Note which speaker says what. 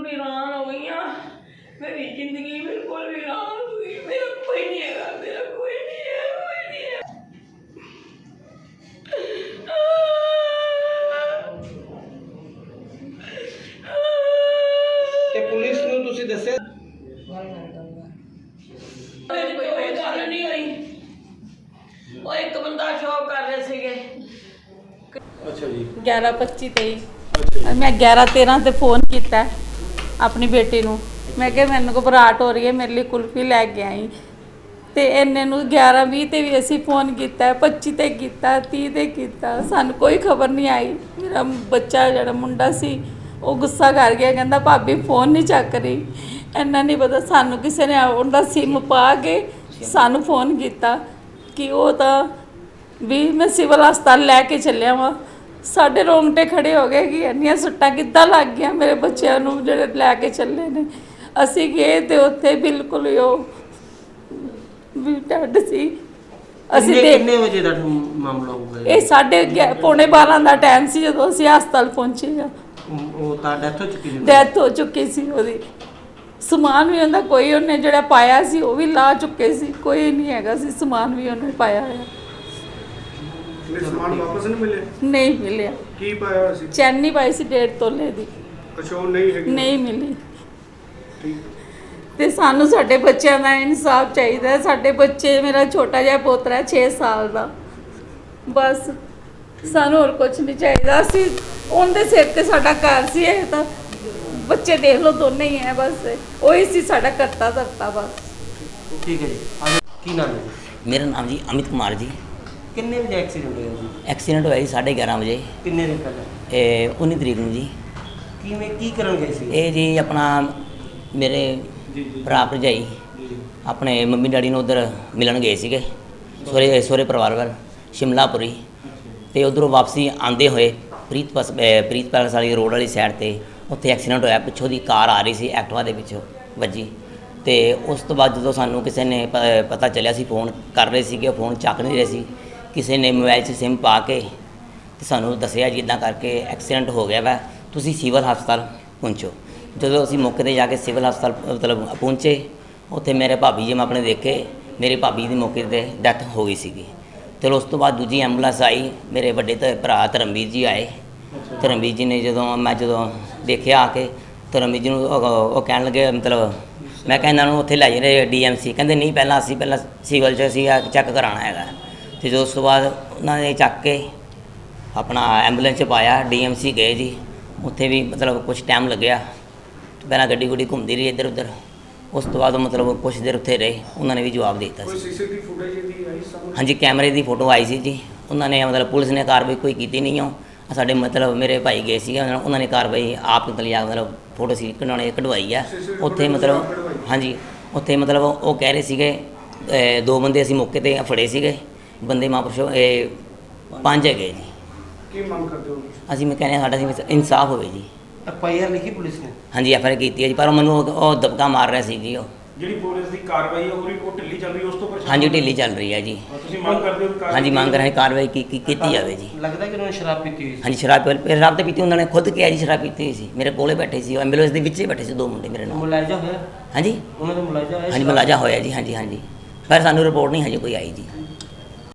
Speaker 1: वीरान हो गई। मेरी जिंदगी बिल्कुल वीरान हो गई। मेरा कोई नहीं है, मेरा कोई नहीं है, कोई नहीं है।
Speaker 2: ਤੇ ਪੁਲਿਸ ਨੂੰ ਤੁਸੀਂ ਦੱਸਿਆ?
Speaker 1: मेरी कोई गल नहीं हुई। वो एक बंदा शो कर रहे थे।
Speaker 2: ਅੱਛਾ ਜੀ।
Speaker 3: 11:25 मैं 11:13 ਤੇ ਫੋਨ ਕੀਤਾ ਆਪਣੀ ਬੇਟੀ ਨੂੰ। ਮੈਂ ਕਿਹਾ ਮੈਨੂੰ ਘਬਰਾਹਟ ਹੋ ਰਹੀ ਹੈ, ਮੇਰੇ ਲਈ ਕੁਲਫੀ ਲੈ ਕੇ ਆਈ। ਤੇ ਇੰਨੇ ਨੂੰ 11:20 ਤੇ ਵੀ ਅਸੀਂ ਫੋਨ ਕੀਤਾ, 25 ਤੇ ਕੀਤਾ, 30 ਤੇ ਕੀਤਾ, ਸਾਨੂੰ ਕੋਈ ਖਬਰ ਨਹੀਂ ਆਈ। ਮੇਰਾ ਬੱਚਾ ਜਿਹੜਾ ਮੁੰਡਾ ਸੀ ਉਹ ਗੁੱਸਾ ਕਰ ਗਿਆ, ਕਹਿੰਦਾ ਭਾਬੀ ਫੋਨ ਨਹੀਂ ਚੱਕ ਰਹੀ। ਇੰਨਾ ਨਹੀਂ ਪਤਾ ਸਾਨੂੰ ਕਿਸੇ ਨੇ ਉਹਦਾ ਸਿਮ ਪਾ ਕੇ ਸਾਨੂੰ ਫੋਨ ਕੀਤਾ ਕਿ ਉਹ ਤਾਂ ਵੀ ਮੈਂ ਸਿਵਲ ਹਸਪਤਾਲ ਲੈ ਕੇ ਚੱਲਿਆ ਵਾਂ। ਸਾਡੇ ਰੋਂਗਟੇ ਖੜੇ ਹੋ ਗਏ ਕਿ ਇੰਨੀਆਂ ਸੱਟਾਂ ਕਿੱਦਾਂ ਲੱਗ ਗਈਆਂ ਮੇਰੇ ਬੱਚਿਆਂ ਨੂੰ ਜਿਹੜੇ ਲੈ ਕੇ ਚੱਲੇ ਨੇ। ਅਸੀਂ ਗਏ ਤੇ ਉੱਥੇ ਬਿਲਕੁਲ ਹੀ ਉਹ ਵੀ ਡੈਡ ਸੀ। ਅਸੀਂ
Speaker 2: ਕਿੰਨੇ ਵਜੇ ਦਾ ਮਾਮਲਾ ਹੋਊਗਾ?
Speaker 3: ਇਹ 11:30 ਦਾ ਟਾਈਮ ਸੀ ਜਦੋਂ ਅਸੀਂ ਹਸਪਤਾਲ ਪਹੁੰਚੇ।
Speaker 2: ਉਹ ਤਾਂ ਡੈਥ ਹੋ ਚੁੱਕੀ ਸੀ?
Speaker 3: ਡੈਥ ਹੋ ਚੁੱਕੀ ਸੀ ਉਹਦੀ। ਸਮਾਨ ਵੀ ਉਹਦਾ ਕੋਈ ਉਹਨੇ ਜਿਹੜਾ ਪਾਇਆ ਸੀ ਉਹ ਵੀ ਲਾ ਚੁੱਕੇ ਸੀ, ਕੋਈ ਨਹੀਂ ਹੈਗਾ ਸੀ ਸਮਾਨ ਵੀ ਉਹਨੇ ਪਾਇਆ ਹੋਇਆ।
Speaker 4: ਸਮਾਨ ਵਾਪਸ ਨਹੀਂ ਮਿਲਿਆ?
Speaker 3: ਨਹੀਂ ਮਿਲਿਆ।
Speaker 4: ਕੀ ਪਾਇਆ ਹੋਇਆ ਸੀ?
Speaker 3: ਚੈਨੀ ਪਾਈ ਸੀ 1.5 ਤੋਲੇ ਦੀ।
Speaker 4: ਅੱਛਾ, ਉਹ ਨਹੀਂ ਹੈਗੀ?
Speaker 3: ਨਹੀਂ ਮਿਲੀ।
Speaker 4: ਠੀਕ।
Speaker 3: ਤੇ ਸਾਨੂੰ ਸਾਡੇ ਬੱਚਿਆਂ ਦਾ ਇਨਸਾਫ ਚਾਹੀਦਾ ਹੈ। ਸਾਡੇ ਬੱਚੇ, ਮੇਰਾ ਛੋਟਾ ਜਿਹਾ ਪੋਤਰਾ ਹੈ 6 ਸਾਲ ਦਾ, ਬਸ ਸਾਨੂੰ ਹੋਰ ਕੁਝ ਨਹੀਂ ਚਾਹੀਦਾ। ਅਸੀਂ ਉਹਦੇ ਸਿਰ ਤੇ ਸਾਡਾ ਘਰ ਸੀ। ਇਹ ਤਾਂ ਬੱਚੇ ਦੇਖ ਲਓ ਦੋਨੇ ਹੀ ਹੈ, ਬਸ ਉਹੀ ਸੀ ਸਾਡਾ ਕਰਤਾ ਧਰਤਾ ਬਸ।
Speaker 2: ਠੀਕ ਹੈ ਜੀ। ਕੀ ਨਾਮ ਹੈ ਜੀ?
Speaker 5: मेरा नाम जी अमित कुमार जी।
Speaker 2: ਕਿੰਨੇ ਵਜੇ ਐਕਸੀਡੈਂਟ ਹੋਇਆ ਜੀ?
Speaker 5: एक्सीडेंट होया जी 11:30 बजे
Speaker 2: ਕਿੰਨੇ ਦਿਨ ਪਹਿਲਾਂ?
Speaker 5: 19 तरीक ਨੂੰ ਜੀ।
Speaker 2: ਕਿਵੇਂ ਕੀ ਕਰਨ ਗਏ ਸੀ?
Speaker 5: ਇਹ ਜੀ ਆਪਣਾ ਮੇਰੇ ਭਰਾ ਭਰਜਾਈ ਆਪਣੇ ਮੰਮੀ ਡੈਡੀ ਨੂੰ ਉਧਰ ਮਿਲਣ ਗਏ ਸੀਗੇ ਸਹੁਰੇ ਪਰਿਵਾਰ ਵੱਲ ਸ਼ਿਮਲਾਪੁਰੀ। ਤੇ ਉਧਰੋਂ ਵਾਪਸੀ ਆਉਂਦੇ ਹੋਏ ਪ੍ਰੀਤ ਪੈਲਸ ਵਾਲੀ ਰੋਡ ਵਾਲੀ ਸਾਈਡ ਤੇ ਉੱਥੇ ਐਕਸੀਡੈਂਟ ਹੋਇਆ। ਪਿੱਛੋਂ ਦੀ ਕਾਰ ਆ ਰਹੀ ਸੀ, ਐਕਟਿਵਾ ਦੇ ਵਿੱਚੋਂ ਵੱਜੀ। ਤੇ ਉਸ ਤੋਂ ਬਾਅਦ ਜਦੋਂ ਸਾਨੂੰ ਕਿਸੇ ਨੇ ਪਤਾ ਚੱਲਿਆ, ਸੀ ਫੋਨ ਕਰ ਰਹੇ ਸੀਗੇ, ਉਹ ਫੋਨ ਚੱਕ ਨਹੀਂ ਰਹੇ ਸੀ। ਕਿਸੇ ਨੇ ਮੋਬਾਈਲ 'ਚ ਸਿਮ ਪਾ ਕੇ ਤੇ ਸਾਨੂੰ ਦੱਸਿਆ ਜੀ ਇੱਦਾਂ ਕਰਕੇ ਐਕਸੀਡੈਂਟ ਹੋ ਗਿਆ ਵਾ, ਤੁਸੀਂ ਸਿਵਲ ਹਸਪਤਾਲ ਪਹੁੰਚੋ। ਜਦੋਂ ਅਸੀਂ ਮੌਕੇ 'ਤੇ ਜਾ ਕੇ ਸਿਵਲ ਹਸਪਤਾਲ ਮਤਲਬ ਪਹੁੰਚੇ, ਉੱਥੇ ਮੇਰੇ ਭਾਬੀ ਜੀ ਮੈਂ ਆਪਣੇ ਦੇਖੇ, ਮੇਰੀ ਭਾਬੀ ਦੀ ਮੌਕੇ 'ਤੇ ਡੈਥ ਹੋ ਗਈ ਸੀਗੀ। ਚਲੋ ਉਸ ਤੋਂ ਬਾਅਦ ਦੂਜੀ ਐਂਬੂਲੈਂਸ ਆਈ, ਮੇਰੇ ਵੱਡੇ ਭਰਾ ਧਰਮਵੀਰ ਜੀ ਆਏ। ਧਰਮਵੀਰ ਜੀ ਨੇ ਜਦੋਂ ਦੇਖਿਆ ਆ ਕੇ, ਧਰਮਵੀਰ ਜੀ ਨੂੰ ਉਹ ਕਹਿਣ ਲੱਗੇ, ਮਤਲਬ ਮੈਂ ਕਿਹਾ ਇਹਨਾਂ ਨੂੰ ਉੱਥੇ ਲੈ ਜਾਣੇ DMC। ਕਹਿੰਦੇ ਨਹੀਂ, ਪਹਿਲਾਂ ਸਿਵਲ 'ਚ ਅਸੀਂ ਚੈੱਕ ਕਰਾਉਣਾ ਹੈਗਾ। ਅਤੇ ਜੋ ਉਸ ਤੋਂ ਬਾਅਦ ਉਹਨਾਂ ਨੇ ਚੱਕ ਕੇ ਆਪਣਾ ਐਂਬੂਲੈਂਸ 'ਚ ਪਾਇਆ, DMC ਗਏ ਜੀ। ਉੱਥੇ ਵੀ ਮਤਲਬ ਕੁਛ ਟਾਈਮ ਲੱਗਿਆ, ਪਹਿਲਾਂ ਗੱਡੀ ਘੁੰਮਦੀ ਰਹੀ ਇੱਧਰ ਉੱਧਰ। ਉਸ ਤੋਂ ਬਾਅਦ ਮਤਲਬ ਕੁਛ ਦੇਰ ਉੱਥੇ ਰਹੇ, ਉਹਨਾਂ ਨੇ ਵੀ ਜਵਾਬ ਦੇ ਦਿੱਤਾ ਸੀ।
Speaker 4: CCTV ਫੁਟੇਜ ਦੀ ਆਈ ਸਾਹਮਣੇ?
Speaker 5: ਹਾਂਜੀ, ਕੈਮਰੇ ਦੀ ਫੋਟੋ ਆਈ ਸੀ ਜੀ। ਉਹਨਾਂ ਨੇ ਮਤਲਬ ਪੁਲਿਸ ਨੇ ਕਾਰਵਾਈ ਕੋਈ ਕੀਤੀ ਨਹੀਂ। ਉਹ ਸਾਡੇ ਮਤਲਬ ਮੇਰੇ ਭਾਈ ਗਏ ਸੀਗੇ, ਉਹਨਾਂ ਨੇ ਕਾਰਵਾਈ ਆਪ ਮਤਲਬ ਫੋਟੋ ਸੀ ਕਢਵਾਈ ਆ ਉੱਥੇ। ਮਤਲਬ ਹਾਂਜੀ, ਉੱਥੇ ਮਤਲਬ ਉਹ ਕਹਿ ਰਹੇ ਸੀਗੇ 2 ਬੰਦੇ ਅਸੀਂ ਮੌਕੇ 'ਤੇ ਫੜੇ ਸੀਗੇ, ਬੰਦੇ ਮਹਾਂਪੁਰਸ਼ੋ 5 ਹੈਗੇ ਜੀ।
Speaker 4: ਕੀ ਮੰਗ ਕਰਦੇ ਹੋ?
Speaker 5: ਅਸੀਂ ਮੈਂ ਕਹਿੰਦੇ ਸਾਡਾ ਇਨਸਾਫ ਹੋਵੇ ਜੀ।
Speaker 2: FIR ਲਿਖੀ ਪੁਲਿਸ ਨੇ?
Speaker 5: ਹਾਂਜੀ, FIR ਕੀਤੀ ਹੈ ਜੀ, ਪਰ ਉਹ ਮੈਨੂੰ ਉਹ ਦਬਕਾ ਮਾਰ ਰਿਹਾ ਸੀ ਜੀ। ਉਹ
Speaker 4: ਜਿਹੜੀ ਪੁਲਿਸ ਦੀ ਕਾਰਵਾਈ ਹੈ ਉਹ ਢਿੱਲੀ ਚੱਲ ਰਹੀ ਹੈ, ਉਸ ਤੋਂ ਪਰੇਸ਼ਾਨ?
Speaker 5: ਹਾਂਜੀ, ਢਿੱਲੀ ਚੱਲ ਰਹੀ ਹੈ ਜੀ।
Speaker 4: ਤੁਸੀਂ ਮੰਗ ਕਰਦੇ ਹੋ?
Speaker 5: ਹਾਂਜੀ, ਮੰਗ ਰਹੇ ਕਾਰਵਾਈ ਕੀਤੀ ਜਾਵੇ ਜੀ।
Speaker 2: ਲੱਗਦਾ ਕਿ ਉਹਨਾਂ ਨੇ ਸ਼ਰਾਬ ਪੀਤੀ ਹੋਈ ਸੀ?
Speaker 5: ਹਾਂਜੀ, ਸ਼ਰਾਬ ਤੇ ਪੀਤੀ, ਉਹਨਾਂ ਨੇ ਖੁਦ ਕਿਹਾ ਜੀ ਸ਼ਰਾਬ ਪੀਤੀ ਹੋਈ ਸੀ। ਮੇਰੇ ਕੋਲੇ ਬੈਠੇ ਸੀ, ਐਂਬੂਲੈਂਸ ਦੇ ਵਿੱਚ ਹੀ ਬੈਠੇ ਸੀ 2 ਮੁੰਡੇ ਮੇਰੇ ਨਾਲ।
Speaker 2: ਮੁਲਾਜ਼ਾ ਹੋਇਆ?
Speaker 5: ਹਾਂਜੀ
Speaker 2: ਉਹਨਾਂ ਦਾ ਮੁਲਾਜ਼ਾ ਹੋਇਆ?
Speaker 5: ਹਾਂਜੀ, ਮੁਲਾਜ਼ਾ ਹੋਇਆ ਜੀ। ਹਾਂਜੀ, ਪਰ ਸਾਨੂੰ ਰਿਪੋਰਟ ਨਹੀਂ ਹਜੇ ਕੋਈ ਆਈ ਜੀ।